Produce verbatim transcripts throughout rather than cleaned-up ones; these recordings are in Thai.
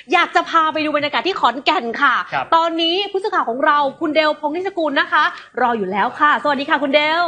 อยากจะพาไปดูบรรยากาศที่ขอนแก่นค่ะตอนนี้ผู้สื่อข่าวของเราคุณเดลพงษ์นิสกุลนะคะรออยู่แล้วค่ะสวัสดีค่ะคุณเดล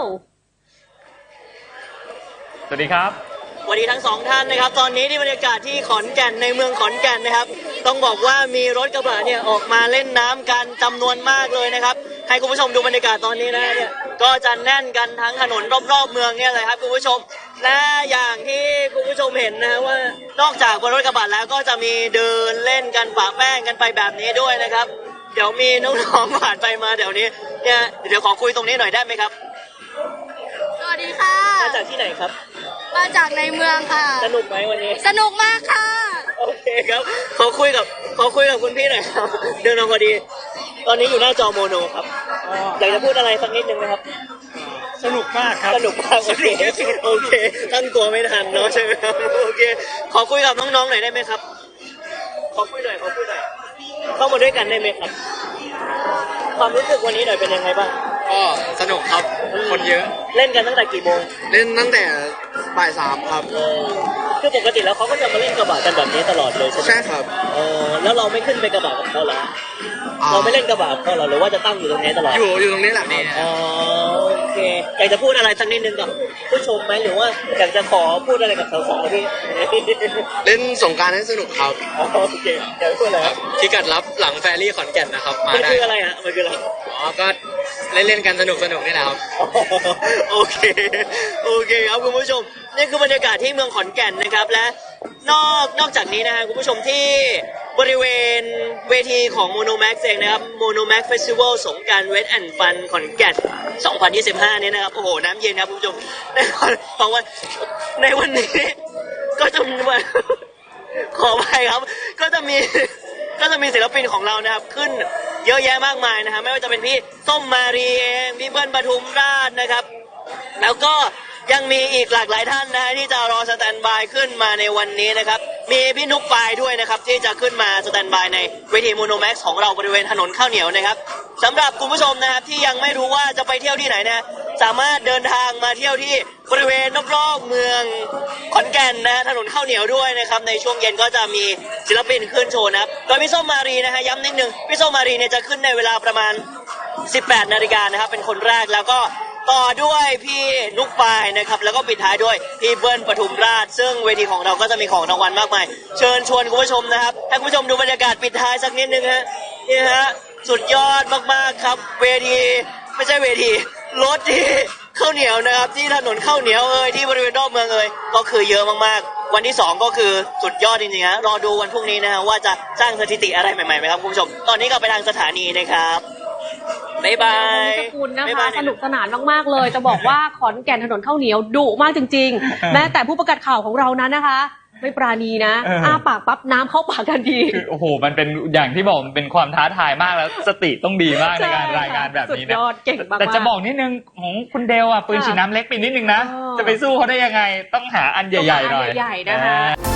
สวัสดีครับสวัสดีทั้งสองท่านนะครับตอนนี้ที่บรรยากาศที่ขอนแก่นในเมืองขอนแก่นนะครับต้องบอกว่ามีรถกระบะเนี่ยออกมาเล่นน้ำกันจำนวนมากเลยนะครับให้คุณผู้ชมดูบรรยากาศตอนนี้นะเนี่ยก็จะแน่นกันทั้งถนนรอบๆเมืองเนี่ยเลยครับคุณผู้ชมและอย่างที่คุณผู้ชมเห็นนะว่านอกจากบนรถกระบะแล้วก็จะมีเดินเล่นกันปะแป้งกันไปแบบนี้ด้วยนะครับเดี๋ยวมีน้องๆผ่านไปมาเดี๋ยวนี้เนี่ยเดี๋ยวขอคุยตรงนี้หน่อยได้ไหมครับสวัสดีค่ะมาจากที่ไหนครับมาจากในเมืองค่ะสนุกไหมวันนี้สนุกมากค่ะโอเคครับขอคุยกับขอคุยกับคุณพี่หน่อยครับเดินมาพอดีตอนนี้อยู่หน้าจอโมโนครับอยากจะพูดอะไรสักนิดนึงไหมครับสนุกมากครับสนุกมากโอเคโอเคตั้งตัวไม่ทันเนาะใช่ไหมครับโอเคขอคุยกับน้องๆหน่อยได้ไหมครับขอคุยหน่อยขอคุยหน่อยเข้ามาด้วยกันได้ไหมครับความรู้สึกวันนี้หน่อยเป็นยังไงบ้างก็สนุกครับคนเยอะเล่นกันตั้งแต่กี่โมงเล่นตั้งแต่บ่ายสามครับคือปกติแล้วเขาก็จะมาเล่นกระบะกันแบบนี้ตลอดเลยใช่ไหมใช่ครับเออแล้วเราไม่ขึ้นไปกระบะกับเขาแล้วเราไม่เล่นกระบะเขาหรอหรือว่าจะตั้งอยู่ตรงนี้ตลอดอยู่อยู่ตรงนี้แหละนี่อ๋อโอเคอยากจะพูดอะไรสักนิดนึงกับผู้ชมไหมหรือว่าอยากจะขอพูดอะไรกับสาวๆพี่เล่นสงกรานต์ให้สนุกครับโอเคอยากพูดอะไรครับพิกัดรับหลังแฟรี่ขอนแก่นนะครับมาได้มันคืออะไรฮะมันคืออะไรอ๋อก็เล่นเล่นกันสนุกสนุกนี่แหละครับโอเคโอเคครับคุณผู้ชมนี่คือบรรยากาศที่เมืองขอนแก่นนะครับและนอกนอกจากนี้นะฮะคุณผู้ชมที่บริเวณเวทีของ Monomax เองนะครับ Monomax Festival สงกรานต์ Wet and Fun ขอนแก่นสองพันยี่สิบห้าเนี่ยนะครับโอ้โหน้ำเย็นครับคุณผู้ชมในวันของวันในวันนี้ก็จะมีขอไปครับก็จะมีก็จะมีศิลปินของเรานะครับขึ้นเยอะแยะมากมายนะฮะไม่ว่าจะเป็นพี่ส้มมารีเองพี่เบิ้ลปทุมราชนะครับแล้วก็ยังมีอีกหลากหลายท่านนะฮะที่จะรอสแตนบายขึ้นมาในวันนี้นะครับมีพี่นุ๊กปายด้วยนะครับที่จะขึ้นมาสแตนบายในเวทีโมโนแม็กซ์ของเราบริเวณถนนข้าวเหนียวนะครับสำหรับคุณผู้ชมนะครับที่ยังไม่รู้ว่าจะไปเที่ยวที่ไหนนะสามารถเดินทางมาเที่ยวที่บริเวณรอบๆเมืองขอนแก่นนะฮะถนนข้าวเหนียวด้วยนะครับในช่วงเย็นก็จะมีศิลปินขึ้นโชว์นะครับโดยพี่ส้มมารีนะฮะย้ำนิดนึงพี่ส้มมารีเนี่ยจะขึ้นในเวลาประมาณสิบแปดนาฬิกานะครับเป็นคนแรกแล้วก็ต่อด้วยพี่นุ๊กปายนะครับแล้วก็ปิดท้ายด้วยพี่เบิ้ลปทุมราชซึ่งเวทีของเราก็จะมีของรางวัลมากมายเชิญชวนคุณผู้ชมนะครับให้คุณผู้ชมดูบรรยากาศปิดท้ายสักนิดนึงฮะนี่ฮะสุดยอดมากๆครับเวทีไม่ใช่เวทีรถที่ข้าวเหนียวนะครับที่ถนนข้าวเหนียวเอ่ยที่บริเวณรอบเมืองเอ่ยก็คือเยอะมากๆวันที่สองก็คือสุดยอดจริงๆฮะรอดูวันพรุ่งนี้นะฮะว่าจะสร้างสถิติอะไรใหม่ๆไหมครับคุณผู้ชมตอนนี้ก็ไปทางสถานีนะครับบ๊ายบายสกุลนะคะสนุกสนานมากๆเลยจะบอกว่าขอนแก่นถนนข้าวเหนียวดุมากจริงๆแม้แต่ผู้ประกาศข่าวของเรานั้นนะคะไม่ปราณีนะอ้าปากปั๊บน้ำเข้าปากกันทีโอ้โหมันเป็นอย่างที่บอกมันเป็นความท้าทายมากแล้วสติต้องดีมากในการรายงานแบบนี้นะแต่จะบอกนิดนึงของคุณเดลอ่ะปืนฉีดน้ำเล็กไปนิดนึงนะจะไปสู้เขาได้ยังไงต้องหาอันใหญ่ๆหน่อยใหญ่ๆนะคะ